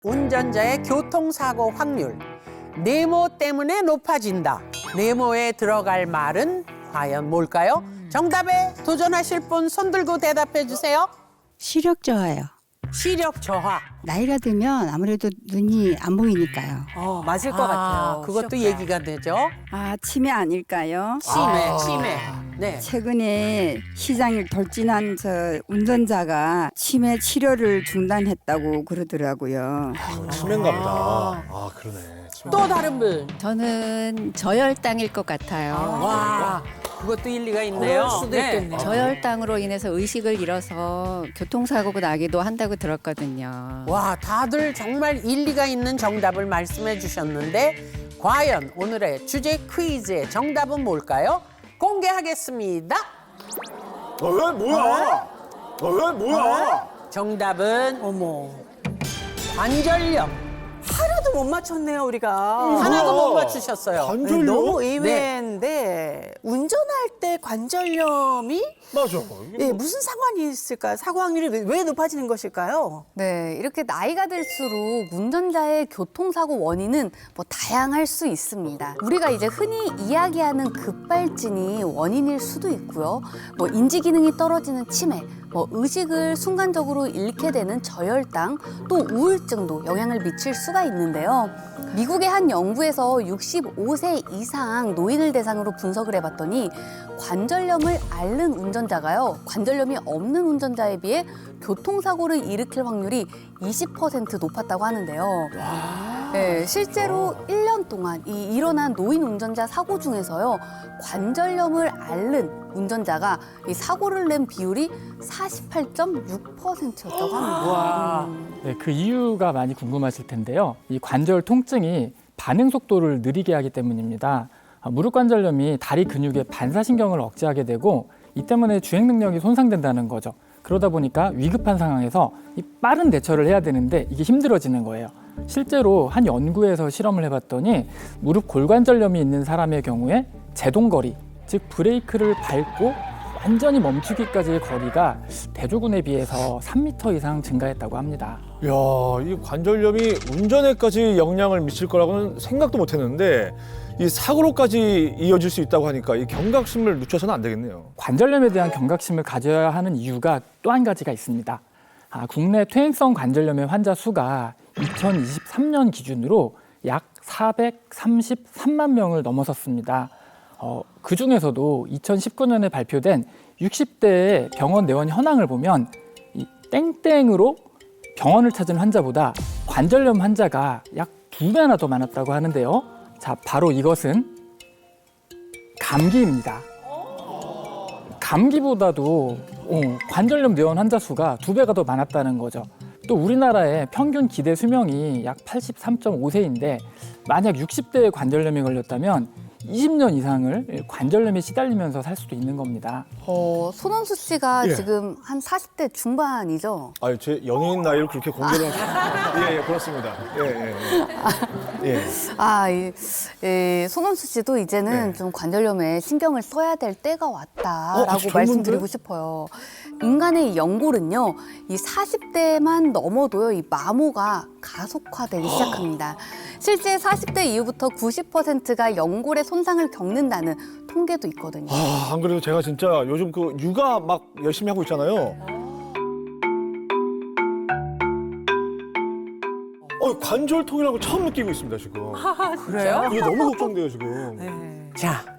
운전자의 교통사고 확률, 네모 때문에 높아진다. 네모에 들어갈 말은 과연 뭘까요? 정답에 도전하실 분 손 들고 대답해 주세요. 시력 저하요. 시력 저하. 나이가 들면 아무래도 눈이 안 보이니까요. 맞을 것 같아요. 그것도 시력자. 얘기가 되죠. 치매 아닐까요? 치매. 네. 최근에 시장을 돌진한 저 운전자가 치매 치료를 중단했다고 그러더라고요. 치매인가 보다. 그러네. 치매. 또 다른 분. 저는 저혈당일 것 같아요. 와, 그것도 일리가 있네요. 그럴 수도 있겠네. 저혈당으로 인해서 의식을 잃어서 교통사고가 나기도 한다고 들었거든요. 와, 다들 정말 일리가 있는 정답을 말씀해 주셨는데 과연 오늘의 주제 퀴즈의 정답은 뭘까요? 공개하겠습니다. 왜 뭐야? 왜 뭐야? 정답은 어머. 관절염. 하나도 못 맞췄네요, 우리가. 하나도 못 맞추셨어요. 관절염? 너무 의외인데 운전할 때 관절염이 맞아. 예, 무슨 상관이 있을까요? 사고 확률이 왜 높아지는 것일까요? 네, 이렇게 나이가 들수록 운전자의 교통사고 원인은 뭐 다양할 수 있습니다. 우리가 이제 흔히 이야기하는 급발진이 원인일 수도 있고요. 뭐 인지 기능이 떨어지는 치매, 뭐 의식을 순간적으로 잃게 되는 저혈당, 또 우울증도 영향을 미칠 수가 있는데요. 미국의 한 연구에서 65세 이상 노인을 대상으로 분석을 해봤더니 관절염을 앓는 운전자가요, 관절염이 없는 운전자에 비해 교통사고를 일으킬 확률이 20% 높았다고 하는데요. 네, 실제로 1년 동안 이 일어난 노인 운전자 사고 중에서요, 관절염을 앓는 운전자가 이 사고를 낸 비율이 48.6%였다고 합니다. 네, 그 이유가 많이 궁금하실 텐데요. 이 관절 통증이 반응 속도를 느리게 하기 때문입니다. 무릎 관절염이 다리 근육의 반사신경을 억제하게 되고 이 때문에 주행 능력이 손상된다는 거죠. 그러다 보니까 위급한 상황에서 이 빠른 대처를 해야 되는데 이게 힘들어지는 거예요. 실제로 한 연구에서 실험을 해봤더니 무릎 골관절염이 있는 사람의 경우에 제동거리, 즉 브레이크를 밟고 완전히 멈추기까지의 거리가 대조군에 비해서 3m 이상 증가했다고 합니다. 야, 이 관절염이 운전에까지 영향을 미칠 거라고는 생각도 못 했는데 이 사고로까지 이어질 수 있다고 하니까 이 경각심을 늦춰서는 안 되겠네요. 관절염에 대한 경각심을 가져야 하는 이유가 또 한 가지가 있습니다. 국내 퇴행성 관절염의 환자 수가 2023년 기준으로 약 433만 명을 넘어섰습니다. 그 중에서도 2019년에 발표된 60대의 병원 내원 현황을 보면 이 땡땡으로 병원을 찾은 환자보다 관절염 환자가 약 2배나 더 많았다고 하는데요. 자, 바로 이것은 감기입니다. 감기보다도 관절염 내원 환자 수가 2배가 더 많았다는 거죠. 또 우리나라의 평균 기대 수명이 약 83.5세인데 만약 60대에 관절염이 걸렸다면 20년 이상을 관절염에 시달리면서 살 수도 있는 겁니다. 손원수 씨가 예. 지금 한 40대 중반이죠? 아, 제 연예인 나이를 그렇게 공개를 예, 그렇습니다. 예. 손원수 씨도 이제는 네. 좀 관절염에 신경을 써야 될 때가 왔다라고 아주 젊은데? 말씀드리고 싶어요. 인간의 이 연골은요, 이 40대만 넘어도요, 이 마모가 가속화되기 시작합니다. 실제 40대 이후부터 90%가 연골의 손상을 겪는다는 통계도 있거든요. 안 그래도 제가 진짜 요즘 그 육아 막 열심히 하고 있잖아요. 관절통이라고 처음 느끼고 있습니다, 지금. 그래요? 이게 너무 걱정돼요, 지금. 자,